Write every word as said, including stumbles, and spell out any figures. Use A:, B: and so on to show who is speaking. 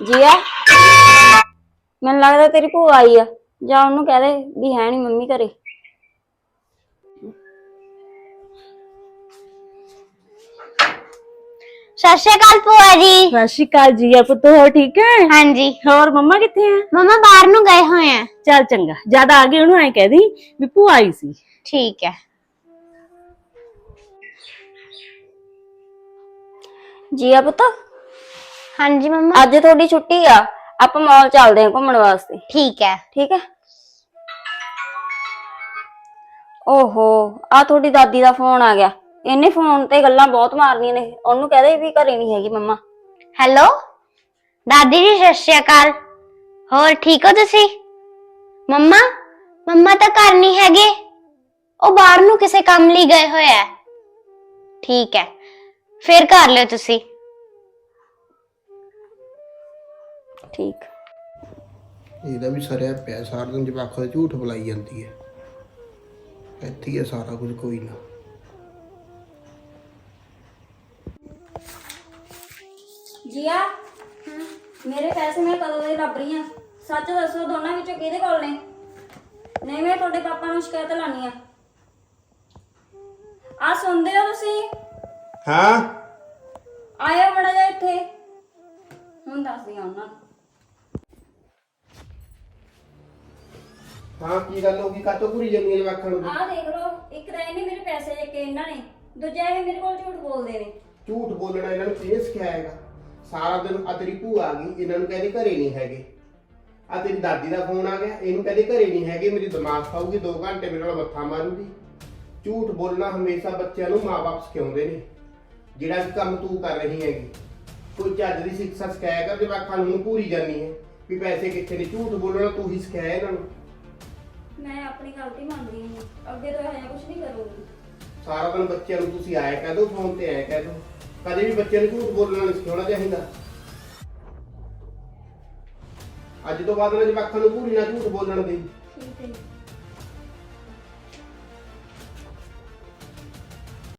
A: ਜੀਆ ਮੈਨੂੰ ਲੱਗਦਾ ਤੇਰੀ ਭੂਆ ਆਈ ਆ, ਜਾਂ ਉਹਨੂੰ ਕਹਿ ਦੇ ਵੀ ਹੈ ਨਹੀਂ ਮੰਮੀ ਘਰੇ।
B: ਸਤਿ ਸ਼੍ਰੀ ਅਕਾਲ ਭੂਆ ਜੀ।
C: ਸਤਿ ਸ਼੍ਰੀ ਅਕਾਲ ਜੀਆ ਪੁੱਤ, ਹੋਰ ਠੀਕ ਹੈ?
B: ਹਾਂਜੀ।
C: ਹੋਰ ਮੰਮਾ ਕਿੱਥੇ ਆ?
B: ਮਮਾ ਬਾਹਰ ਨੂੰ ਗਏ ਹੋਏ ਆ।
C: ਚੱਲ ਚੰਗਾ, ਜਦ ਆ ਗਏ ਉਹਨੂੰ ਐ ਕਹਿ ਦੀ ਵੀ ਭੂਆ ਆਈ ਸੀ।
B: ਠੀਕ ਹੈ।
A: ਜੀਆ ਪੁੱਤ,
B: ਹਾਂਜੀ ਮਮਾ।
A: ਅੱਜ ਤੁਹਾਡੀ ਛੁੱਟੀ ਆ, ਆਪਾਂ ਮਾਲ ਚੱਲਦੇ ਆ ਘੁੰਮਣ ਵਾਸਤੇ।
B: ਠੀਕ ਹੈ।
A: ਠੀਕ ਹੈ। ਓਹੋ, ਆ ਤੁਹਾਡੀ ਦਾਦੀ ਦਾ ਫੋਨ ਆ ਗਿਆ। ਇਹਨੇ ਫੋਨ ਤੇ ਗੱਲਾਂ ਬਹੁਤ ਮਾਰਨੀਆਂ ਨੇ, ਉਹਨੂੰ ਕਹਦੇ ਵੀ ਘਰੇ ਨਹੀਂ ਹੈਗੀ ਮੰਮਾ।
B: ਹੈਲੋ ਦਾਦੀ ਜੀ, ਸਤਿ ਸ਼੍ਰੀ ਅਕਾਲ। ਹੋਰ ਠੀਕ ਹੋ ਤੁਸੀਂ? ਮੰਮਾ ਮੰਮਾ ਤਾਂ ਘਰ ਨਹੀਂ ਹੈਗੇ, ਉਹ ਬਾਹਰ ਨੂੰ ਕਿਸੇ ਕੰਮ ਲਈ ਗਏ ਹੋਏ ਆ। ਠੀਕ ਹੈ, ਫਿਰ ਕਰ ਲਿਓ ਤੁਸੀਂ।
A: ਠੀਕ।
D: ਇਹਦਾ ਵੀ ਸਰਿਆ ਪਿਆ, ਸਾਰਾ ਦਿਨ ਜਵਾਕਾਂ ਦਾ ਝੂਠ ਬੁਲਾਈ ਜਾਂਦੀ ਹੈ। ਇੱਥੇ ਹੀ ਹੈ ਸਾਰਾ ਕੁਝ, ਕੋਈ ਨਾ।
A: ਜੀਆ, ਮੇਰੇ ਪੈਸੇ ਮੈਂ ਕਦੋਂ ਦੇ ਲੱਭ ਰਹੀ ਆ? ਸੱਚ ਦੱਸੋ, ਦੋਨਾਂ ਵਿੱਚੋਂ ਕਿਹਦੇ ਕੋਲ ਨੇ? ਨਹੀਂ ਮੈਂ ਤੁਹਾਡੇ ਪਾਪਾ ਨੂੰ ਸ਼ਿਕਾਇਤ ਲਾਣੀ ਆ। ਆ ਸੁਣਦੇ ਹੋ ਤੁਸੀਂ?
D: ਹਾਂ,
A: ਆਇਓ ਮੜਾ ਜਾ ਇੱਥੇ, ਹੁਣ ਦੱਸਦੀ ਆ ਉਹਨਾਂ ਨੂੰ।
D: ਹਾਂ ਕੀ ਗੱਲ ਹੋ ਗਈ? ਕਾਤੋਂ ਪੂਰੀ ਜੰਨੀ ਜਵਾਕਾਂ ਨੂੰ?
A: ਆਹ ਦੇਖ ਲਓ, ਇੱਕ ਤਾਂ ਇਹਨੇ ਮੇਰੇ ਪੈਸੇ ਲੈ ਕੇ ਇਹਨਾਂ ਨੇ, ਦੂਜਾ ਇਹ ਮੇਰੇ ਕੋਲ ਝੂਠ ਬੋਲਦੇ ਨੇ।
D: ਝੂਠ ਬੋਲਣਾ ਇਹਨਾਂ ਨੂੰ ਕਿਹਨੇ ਸਿਖਾਇਆ? ਸਾਰਾ ਦਿਨ ਆ ਤੇਰੀ ਭੂਆ ਆ ਗਈ, ਇਹਨਾਂ ਨੂੰ ਕਹਿੰਦੇ ਘਰੇ ਨਹੀਂ ਹੈਗੇ। ਆ ਤੇਰੀ ਦਾਦੀ ਦਾ ਫੋਨ ਆ ਗਿਆ, ਇਹਨੂੰ ਕਹਿੰਦੇ ਘਰੇ ਨਹੀਂ ਹੈਗੇ। ਮੇਰੀ ਦਿਮਾਗ ਖਾਊਗੀ, ਦੋ ਘੰਟੇ ਮੇਰੇ ਨਾਲ ਮੱਥਾ ਮਾਰੂਗੀ। ਝੂਠ ਬੋਲਣਾ ਹਮੇਸ਼ਾ ਬੱਚਿਆਂ ਨੂੰ ਮਾਂ-ਬਾਪ ਸਿਖਾਉਂਦੇ ਨੇ। ਜਿਹੜਾ ਵੀ ਕੰਮ ਤੂੰ ਕਰ ਰਹੀ ਹੈਗੀ, ਕੋਈ ਚੱਜ ਦੀ ਸਿੱਖਿਆ ਸਿਖਾਇਆ ਕਰ। ਜਵਾਕਾਂ ਨੂੰ ਪੂਰੀ ਜਾਨੀ ਹੈ ਵੀ ਪੈਸੇ ਕਿੱਥੇ ਨੇ। ਝੂਠ ਬੋਲਣਾ ਤੂੰ ਹੀ ਸਿਖਾਇਆ ਇਹਨਾਂ ਨੂੰ।
A: ਮੈਂ ਆਪਣੀ ਗਲਤੀ ਮੰਨਦੀ ਹਾਂ, ਅੱਗੇ ਤੋਂ ਇਹ ਕੁਝ ਨਹੀਂ ਕਰੂੰਗੀ।
D: ਸਾਰਾ ਦਿਨ ਬੱਚਿਆਂ ਨੂੰ ਤੁਸੀਂ ਆਇਆ ਕਹਿ ਦੋ, ਫੋਨ ਤੇ ਆਇਆ ਕਹਿ ਦੋ। ਕਦੇ ਵੀ ਬੱਚਿਆਂ ਨੂੰ ਝੂਠ ਬੋਲਣਾ ਨਹੀਂ ਸਿਖਾਉਣਾ ਚਾਹੀਦਾ। ਅੱਜ ਤੋਂ ਬਾਅਦ ਨਾ ਜਵਾਕਾਂ ਨੂੰ ਪੂਰੀ ਨਾ ਝੂਠ ਬੋਲਣ ਦੇ।
A: ਠੀਕ ਹੈ।